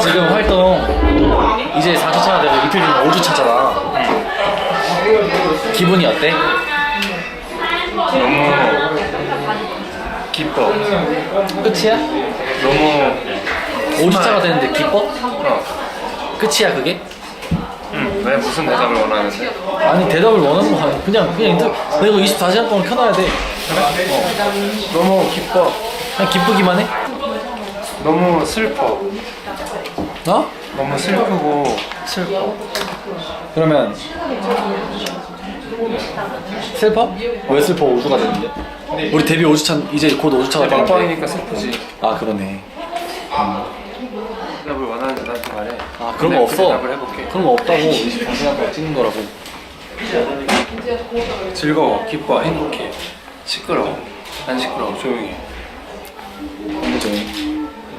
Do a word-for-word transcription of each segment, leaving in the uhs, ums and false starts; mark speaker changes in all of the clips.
Speaker 1: 지금 활동 이제 사 주차가 되고 이틀 뒤면 오 주차잖아. 기분이 어때?
Speaker 2: 너무 기뻐.
Speaker 1: 끝이야?
Speaker 2: 너무
Speaker 1: 오 주차가 되는데 기뻐?
Speaker 2: 어.
Speaker 1: 끝이야 그게?
Speaker 2: 응. 왜 무슨 대답을 원하는데?
Speaker 1: 아니 대답을 원하는 거 아니야. 그냥 그냥 인터 내가 이거 이십사 시간 동안 켜놔야 돼.
Speaker 2: 너무 기뻐.
Speaker 1: 그냥 기쁘기만 해?
Speaker 2: 너무 슬퍼.
Speaker 1: 어?
Speaker 2: 너무 슬프고 슬퍼.
Speaker 1: 그러면 슬퍼? 왜 슬퍼? 오 주가 되는데? 우리 데뷔 오 주차 이제 곧 오 주차가 되는데.
Speaker 2: 막방이니까 슬프지.
Speaker 1: 아 그러네.
Speaker 2: 대답을 원하는데 나한테 말해.
Speaker 1: 아 그런 거
Speaker 2: 내가 그
Speaker 1: 없어.
Speaker 2: 대답을 해볼게.
Speaker 1: 그런 거 없다고. 이십사 시간 동안 찍는 거라고.
Speaker 2: 즐거워, 기뻐, 행복해. 시끄러워. 안 시끄러워. 조용히 해.
Speaker 1: 너무 조용히.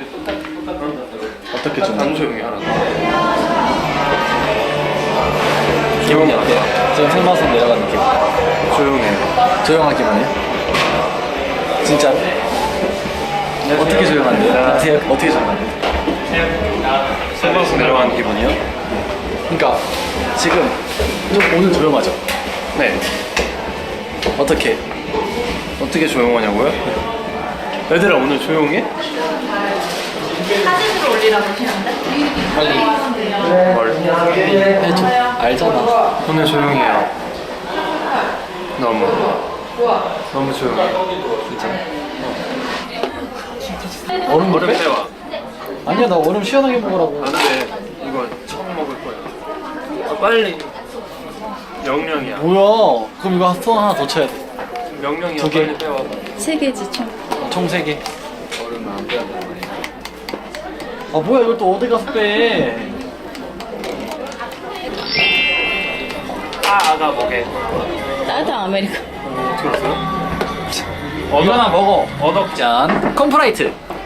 Speaker 1: 어떻게 좀
Speaker 2: 안 조용히 하라고.
Speaker 1: 기분이 어때? 지금 생방송 내려가는 기분.
Speaker 2: 조용해.
Speaker 1: 조용한 기분이야? 진짜? 어떻게 조용한데요? 어떻게 어떻게 조용한데?
Speaker 2: 생방송 내려가는 기분이요?
Speaker 1: 그러니까 지금 좀 오늘 조용하죠?
Speaker 2: 네.
Speaker 1: 어떻게?
Speaker 2: 어떻게 조용하냐고요? 얘들아 오늘 조용해?
Speaker 3: 사진으로 올리라고 하시는데?
Speaker 1: 빨리
Speaker 2: 뭘?
Speaker 1: 해줘. 알잖아.
Speaker 2: 오늘 조용해요. 너무. 너무 조용해.
Speaker 1: 얼음 못
Speaker 2: 얼음
Speaker 1: 빼?
Speaker 2: 빼와.
Speaker 1: 아니야 나 얼음 시원하게 먹으라고.
Speaker 2: 안 돼. 이거 처음 먹을 거야. 아, 빨리. 명령이야.
Speaker 1: 뭐야? 그럼 이거 손 하나 더 쳐야 돼.
Speaker 2: 명령이야.
Speaker 1: 두 개.
Speaker 2: 빨리 빼와.
Speaker 3: 세 개지 총.
Speaker 1: 총 세 개.
Speaker 2: 얼음을 안 빼야 된다.
Speaker 1: 아 뭐야 이걸 또 어디 가서 빼?
Speaker 2: 아, 아가 뭐게?
Speaker 3: 따뜻한 아메리카.
Speaker 2: 어떻게 알았어요?
Speaker 1: 이거 하나 먹어.
Speaker 2: 어덕.
Speaker 1: 짠. 컴프라이트.